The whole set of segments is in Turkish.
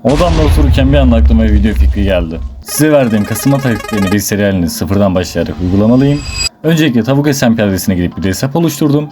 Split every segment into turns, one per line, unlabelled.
Odamda otururken bir anda aklıma bir video fikri geldi. Size verdiğim kasılma taktiklerini bir seri halinde sıfırdan başlayarak uygulamalıyım. Öncelikle Tavuk SMP adresine gidip bir hesap oluşturdum.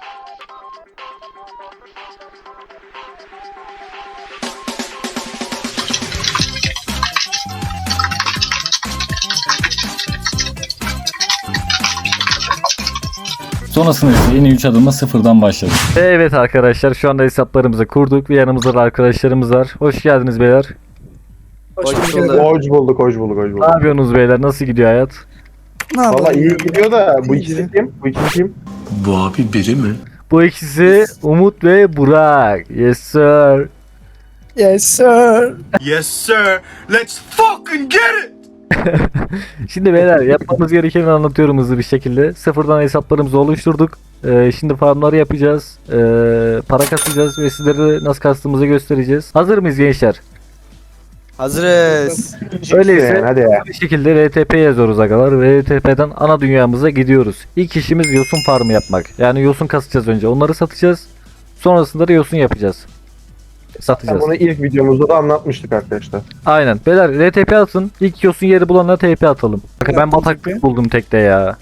Sonrasında ise yeni 3 adımla sıfırdan başladık. Evet arkadaşlar, şu anda hesaplarımızı kurduk ve yanımızda da arkadaşlarımız var. Hoş geldiniz beyler.
Hoş bulduk.
Ne yapıyorsunuz beyler? Nasıl gidiyor hayat?
Valla iyi gidiyor da bu ikisi kim? Bu ikisi kim?
Bu abi biri mi?
Bu ikisi Umut ve Burak. Yes sir.
Yes sir.
Yes sir. Let's fucking get it.
Şimdi beyler, yapmamız gerekeni anlatıyorum hızlı bir şekilde. Sıfırdan hesaplarımızı oluşturduk. Şimdi farmları yapacağız. Para kasacağız ve sizlere nasıl kastığımızı göstereceğiz. Hazır mıyız gençler?
Hazırız.
Öyleyse
Yani, hadi ya.
bir şekilde RTP yazıyoruz agalar. RTP'den ana dünyamıza gidiyoruz. İlk işimiz yosun farmı yapmak. Yani yosun kasacağız önce. Onları satacağız. Sonrasında da yosun yapacağız. Satacağız.
Bunu ilk videomuzda da anlatmıştık arkadaşlar.
Aynen. Beyler RTP atın. İlk yosun yeri bulanlara TP atalım. Bakın ben bataklık buldum tekte ya.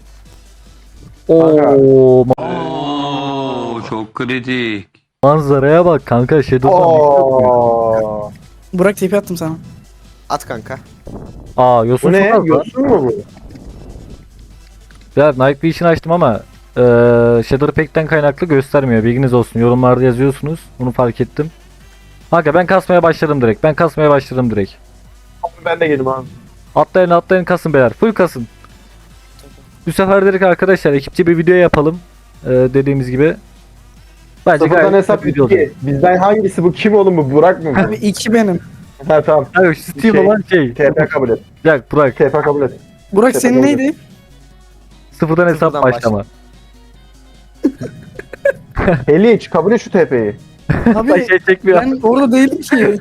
Oo,
Oo, çok kritik.
manzaraya bak kanka.
Oo.
Burak TP attım sana.
At kanka.
Aa, yosun
Bu ne?
çok az lan.
Yosun mu bu?
Ya Night Vision açtım ama Shader Pack'ten kaynaklı göstermiyor. Bilginiz olsun. Yorumlarda yazıyorsunuz. Bunu fark ettim. Kanka ben kasmaya başladım direkt.
Ben de geldim abi.
Atlayın kasın beyler. Full kasın. Bu sefer dedik arkadaşlar, ekipçe bir video yapalım. Dediğimiz gibi. Bence
Sıfırdan
gayet
hesap
güzel bir video olacak.
2. Bizden hangisi bu? Kim oğlum bu? Burak mı bu?
Abi 2 benim.
Ha tamam.
Abi şu Steam
Şey,
olan şey.
TP kabul et.
Burak.
TP kabul et.
Burak
Tepe
senin
doğru.
neydi?
Sıfırdan hesap
Sıfırdan
başlama.
Heliç kabul et şu TP'yi.
Abi
Paşa çekmiyor.
ben orada değilim ki.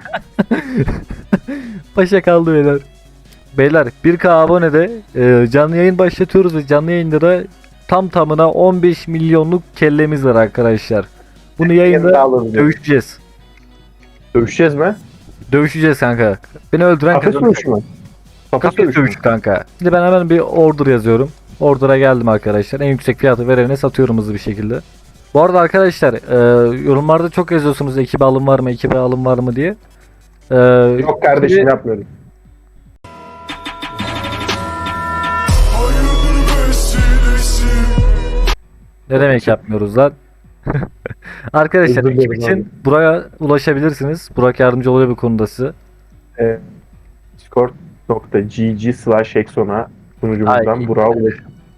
Paşa kaldı beyler. Beyler 1K abonede canlı yayın başlatıyoruz ve canlı yayında da tam tamına 15 milyonluk kellemiz var arkadaşlar. Bunu yayında dövüşeceğiz.
Dövüşeceğiz mi?
Dövüşeceğiz kanka. Beni öldüren
Kafes
kazanacak.
dövüşü mü? Kafes
Kafes dövüşü kanka. Şimdi ben hemen bir order yazıyorum. Order'a geldim arkadaşlar. En yüksek fiyatı verene satıyorum hızlı bir şekilde. Bu arada arkadaşlar yorumlarda çok yazıyorsunuz ekibe alım var mı diye.
Yok kardeşim yapmıyorum.
Ne demek yapmıyoruz lan? Arkadaşlar
Özür
ekip
dilerim
için
abi.
Burak'a ulaşabilirsiniz. Burak yardımcı oluyor bu konuda size.
Discord.gg/exona sunucumuzdan
Ay.
Burak'a ulaş.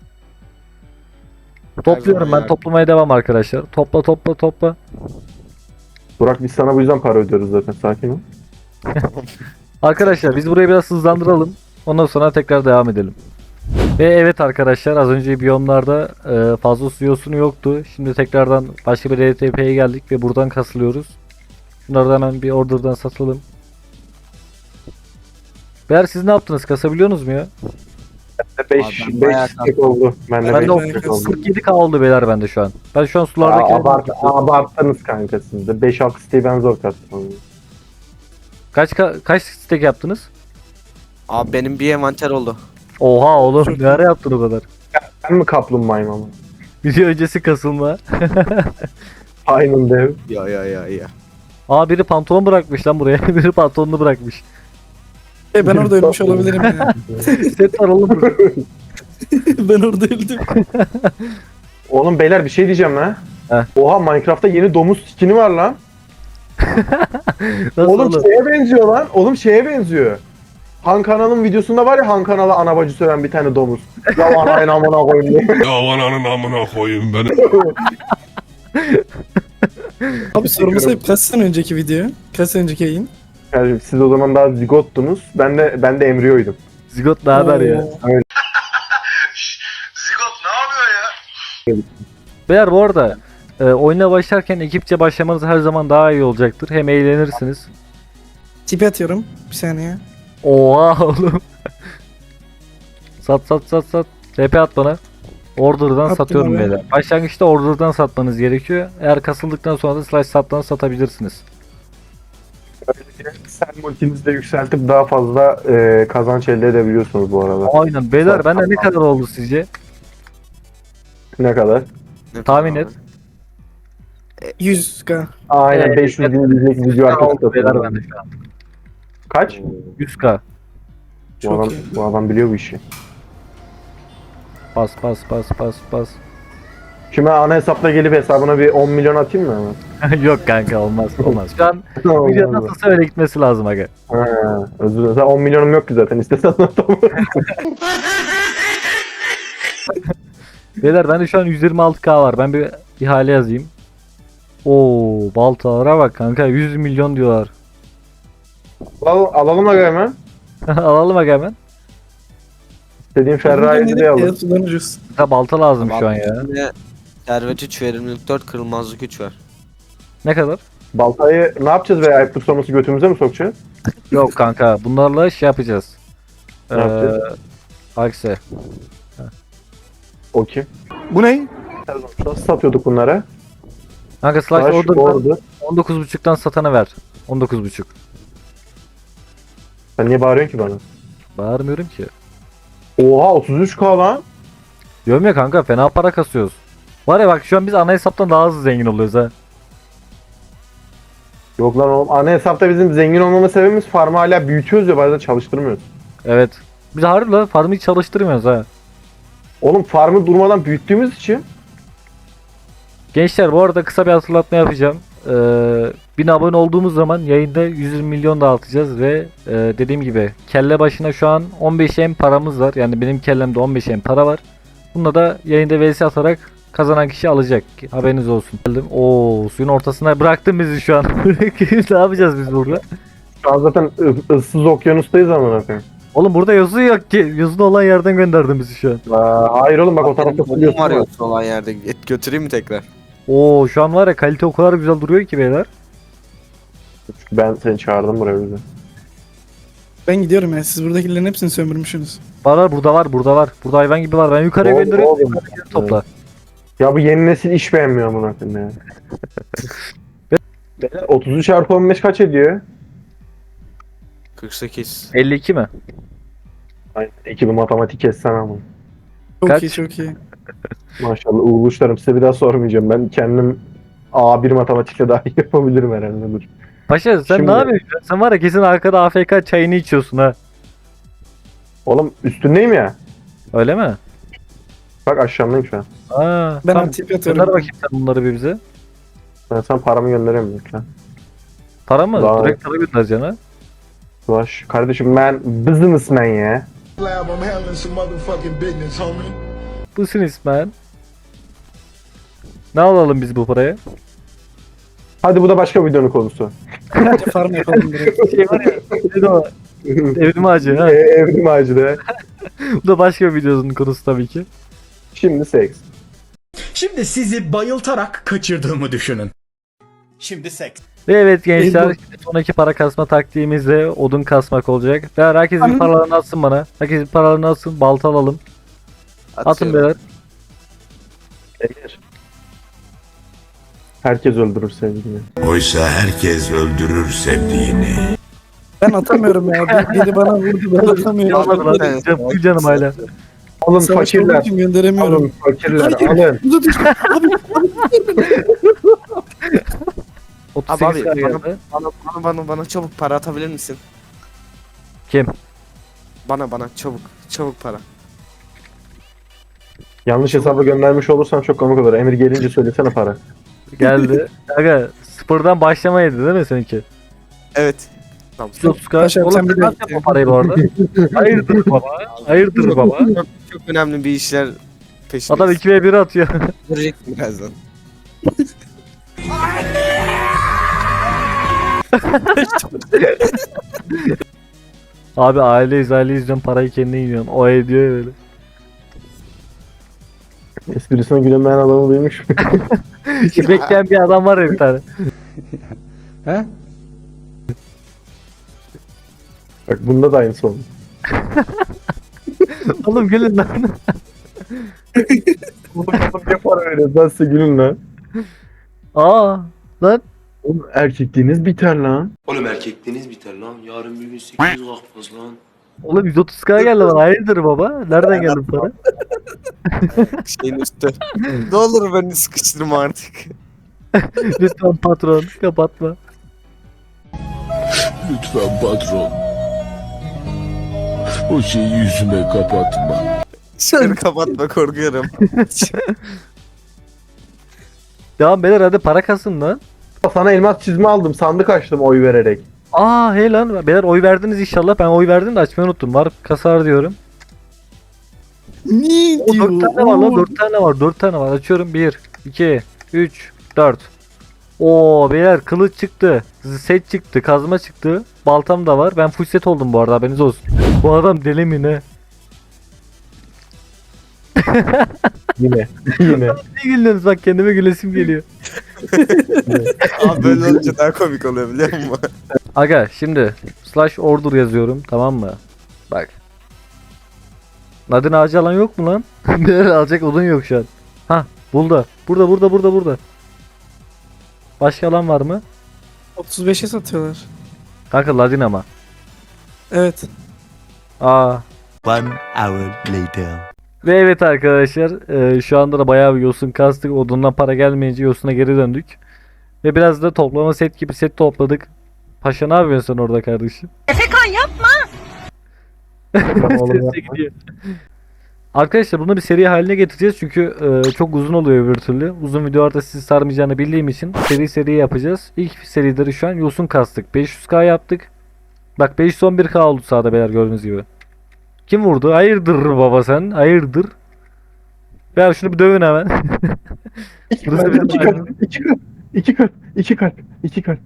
Topluyorum ben,
ya.
toplamaya devam arkadaşlar. Topla.
Burak biz sana bu yüzden para ödüyoruz zaten, sakin ol.
Arkadaşlar biz burayı biraz hızlandıralım. Ondan sonra tekrar devam edelim. Ve evet arkadaşlar, az önce biyomlarda fazla su yosunu yoktu. Şimdi tekrardan başka bir RTP'ye geldik ve buradan kasılıyoruz. Bunları da hemen bir order'dan satalım. Beyler siz ne yaptınız? Kasabiliyorsunuz mu ya?
5
Abi ben bayağı
stack oldu. Bende
Ben de
5 stack oldu.
47k oldu beyler bende şu an. Ben şu an sulardaki...
Abarttınız kanka siz de. 5-6 stack'i ben zor kastım.
Kaç stack yaptınız?
Abi benim bir envanter oldu.
Oha oğlum, ne ara yaptın o kadar?
Ben mi kaplumbağayım ama?
Video öncesi kasılma.
Aynen dev.
Ya.
Aa, biri pantolon bırakmış lan buraya. Biri pantolonunu bırakmış.
Ben orada ölmüş olabilirim ya.
Set var oğlum burada.
Ben orada öldüm.
Oğlum beyler bir şey diyeceğim ha.
Heh.
Oha, Minecraft'ta yeni domuz skini var lan.
Nasıl
Oğlum
oğlum?
şeye benziyor lan. Oğlum şeye benziyor. Han Kanal'ın videosunda var ya, Han Kanal'a ana bacı söven bir tane domuz. Ya anayın amına koyayım diye.
Ya ananın amına koyayım beni.
Abi sorumu sayıp kaç sene önceki video? Kaç sene önceki yayın?
Yani siz o zaman daha zigottunuz. Ben de embriyoydum.
Zigot ne haber ya?
Zigot ne yapıyor ya?
Beyler bu arada oyuna başlarken ekipçe başlamanız her zaman daha iyi olacaktır. Hem eğlenirsiniz.
TP atıyorum. Bir saniye.
Oha oğlum. Sat. TP at bana. Order'dan
Attım
satıyorum
abi.
beyler. Başlangıçta order'dan satmanız gerekiyor. Eğer kasıldıktan sonra da slash sattan satabilirsiniz.
Sen multinizi de yükseltip daha fazla kazanç elde edebiliyorsunuz bu arada.
Aynen beyler bende ne kadar oldu sizce?
Ne kadar?
Ne
Tahmin
kadar
et.
abi?
100k.
Aynen
Evet,
500 bin izleyecek video arkası
Oldu beyler
satıyor.
bende şu an.
Kaç?
100k.
Bu
Çok
adam,
iyi.
bu adam biliyor bu işi.
Bas bas bas bas bas.
Şimdi ben ana hesapla gelip hesabına bir 10 milyon atayım mı hemen?
Yok kanka olmaz olmaz. Şu an video
Olmaz mı?
nasılsa öyle gitmesi lazım aga.
Ha, özür dilerim. Sen 10 milyonum yok ki zaten. İstesen atamam.
Beyler bende şu an 126k var. Ben bir ihale yazayım. Oo baltalara bak kanka 100 milyon diyorlar.
Alalım aga hemen.
Alalım aga hemen.
İstediğin Ferrari'yi de alın.
Sudan ucuz.
Ha, balta lazım şu an ya.
Yine servet 3, verimlilik 4, kırılmazlık 3 var.
Ne kadar?
Baltayı ne yapacağız be? Ayıp tutsaması götümüze mi sokacağız?
Yok kanka bunlarla şey yapacağız.
Ne yapacağız?
Akse.
O kim?
Bu ne?
Nasıl satıyorduk bunlara?
Kanka slash
Taş,
order'dan
ordu.
19.5'tan satana ver. 19.5.
Sen niye bağırıyorsun ki bana?
Bağırmıyorum ki.
Oha 33k lan.
Diyorum ya kanka fena para kasıyoruz. Var ya bak şu an biz ana hesaptan daha hızlı zengin oluyoruz ha.
Yok lan oğlum. Ana hesapta bizim zengin olmama sebebimiz farmı hala büyütüyoruz ya bazen çalıştırmıyoruz.
Evet. Biz harbi la farmı hiç çalıştırmıyoruz ha.
Oğlum farmı durmadan büyüttüğümüz için
Gençler bu arada kısa bir hatırlatma yapacağım. 1000 abone olduğumuz zaman yayında 120 milyon dağıtacağız ve dediğim gibi kelle başına şu an 15 M paramız var. Yani benim kellemde 15 M para var. Bununla da yayında vs atarak kazanan kişi alacak. Haberiniz olsun. Oo suyun ortasına bıraktın bizi şu an. Ne yapacağız biz burada?
şu an zaten ıssız okyanustayız amına koyayım.
Oğlum burada yazı yok ki. Yazılı olan yerden gönderdin bizi şu an.
Hayır oğlum bak o tarafta
Benim
biliyorsun.
var
Var
yoksa olan yerde. Et götüreyim mi tekrar?
Oo şu an var ya kalite o kadar güzel duruyor ki beyler.
Ben seni çağırdım buraya bize.
Ben gidiyorum ya. Siz buradakilerin hepsini sömürmüşsünüz.
Var burada var burada var. Burada hayvan gibi var. Ben yukarıya
Oğlum,
gönderiyorum.
oğlum.
Yukarıya topla.
Ya bu yeni nesil iş beğenmiyor amına koyayım ya. Beyler, 33 çarpı 15 kaç ediyor?
48.
52 mi?
Aynen. Ekibi matematik kessen ama.
Çok
Kaç?
iyi çok iyi.
Maşallah uğurluşlarım size bir daha sormayacağım. Ben kendim A1 matematikle daha iyi yapabilirim herhalde. Dur.
Paşa sen
Şimdi-
ne yapıyorsun? Sen var ya kesin arkada AFK çayını içiyorsun ha.
Oğlum üstündeyim ya.
Öyle mi?
Bak aşağımdayım şu an.
Aa,
Ben
tamam.
tip
Gönder
atıyorum.
bakayım sen bunları bir bize.
Ben sana paramı gönderemiyorum lütfen.
Para mı?
Daha-
Direkt para göndereceksin ha.
Ulaş. Kardeşim ben businessman ya.
Lab, I'm handling some motherfucking business, homie.
Busun ismen. Ne alalım biz bu paraya?
Hadi bu da başka bir videonun konusu.
Bence farm yapalım direkt.
Şey var ya. neydi o? Evrim ağacı ha.
Evrim ağacı.
Bu da başka bir videonun konusu tabii ki.
Şimdi seks.
Şimdi sizi bayıltarak kaçırdığımı düşünün. Şimdi seks.
Ve evet gençler
Elbow.
şimdi sonraki para kasma taktiğimiz de odun kasmak olacak. Ve herkes bir
Anladım.
paralarını atsın bana. Herkes bir paralarını atsın. Balta alalım. Atın
Atıyorum.
beyler.
Eğer. Herkes öldürür sevgilini.
Oysa herkes öldürür sevdiğini.
Ben atamıyorum ya. Biri bana vurdu ben atamıyorum.
Almadı lan.
Evet.
Canım, canım hala.
Alın
Savaş olduğu
fakirler.
için gönderemiyorum.
Alın fakirler
Hayır.
alın.
Bu da düştü.
38
Abi,
geldi.
Bana çabuk para atabilir misin?
Kim?
Bana çabuk para.
Yanlış hesaba göndermiş olursan çok komik olur. Emir gelince söylesene para.
Geldi. Aga sıfırdan başlamaydı değil mi seninki?
Evet. Tamam.
130
Paşa,
Oğlum
sen
sen
bir de-
nasıl yapma parayı bu arada? Hayırdır baba? Hayırdır baba?
Çok önemli bir işler peşindeyiz.
Adam 2v1 atıyor.
Göreceksin birazdan.
Abi aileyiz diyorsun parayı kendine yiyorsun. O ediyor ya böyle.
Esprisine gülemeyen adamı duymuş.
Şimdi bekleyen bir adam var ya bir tane.
Bak bunda da aynısı oldu.
Oğlum gülün lan.
Bunu kapıp yapar öyle. Ben size gülün lan.
Aa lan.
Oğlum erkekliğiniz biter lan.
Oğlum erkekliğiniz biter lan. Yarın bir gün 800 kalkmaz lan.
Oğlum 130k geldi bana. Hayırdır baba? Nereden geldi bu para?
Şeyin üstü. Ne olur beni sıkıştırma artık.
Lütfen patron kapatma.
Lütfen patron. O şeyi yüzüme kapatma.
Şöyle kapatma, korkuyorum.
Devam beyler, hadi para kasın lan.
Sana elmas çizme aldım. Sandık açtım oy vererek.
Aa hey lan beyler, oy verdiniz inşallah. Ben oy verdim de açmayı unuttum. Var kasar diyorum.
Ne
O
diyor?
4 tane var lan, 4 tane var, 4 tane var. Açıyorum 1, 2, 3, 4. Oo beyler, kılıç çıktı. Set çıktı, kazma çıktı. Baltam da var. Ben full set oldum bu arada, haberiniz olsun. Bu adam deli mi ne?
Yine. Yine.
Ne gülüyorsunuz, bak kendime gülesim geliyor.
Abi böyle olunca daha komik oluyor biliyor musun?
Aga şimdi slash order yazıyorum, tamam mı? Bak. Nadine ağacı alan yok mu lan? Beyler alacak odun yok şu an. Hah burada. Burada. Başka alan var mı?
35'e satıyorlar.
Kanka Ladin ama.
Evet.
Aa.
1 hour later.
Ve evet arkadaşlar, şu anda da bayağı bir yosun kastık. Odundan para gelmeyince yosuna geri döndük. Ve biraz da toplama set gibi set topladık. Paşa ne yapıyorsun sen orada kardeşim?
Oğlum
Sesle gidiyor. Arkadaşlar bunu bir seri haline getireceğiz çünkü çok uzun oluyor öbür türlü. Uzun videolarda sizi sarmayacağını bildiğim için seri yapacağız. İlk serileri şu an yosun kastık. 500k yaptık. Bak 511k oldu sağda beyler, gördüğünüz gibi. Kim vurdu? Hayırdır baba sen? Hayırdır? Ver şunu bir dövün hemen. Burası benim
İki kalp. İki kalp.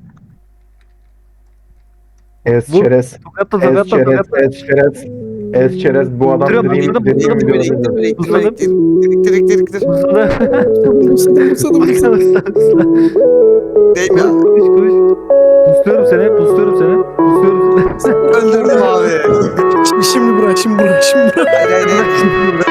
Es
Vur.
çerez.
Tokatla.
Es çerez. Bu adam
Duruyorum,
dediğim
durdum,
dediğim
durdum,
videoda
durdum.
dedi.
Direkt.
Musadım.
Değil mi?
Kuş. Pusluyorum seni.
Öldürdüm abi.
Şimdi bırak.
Hayır.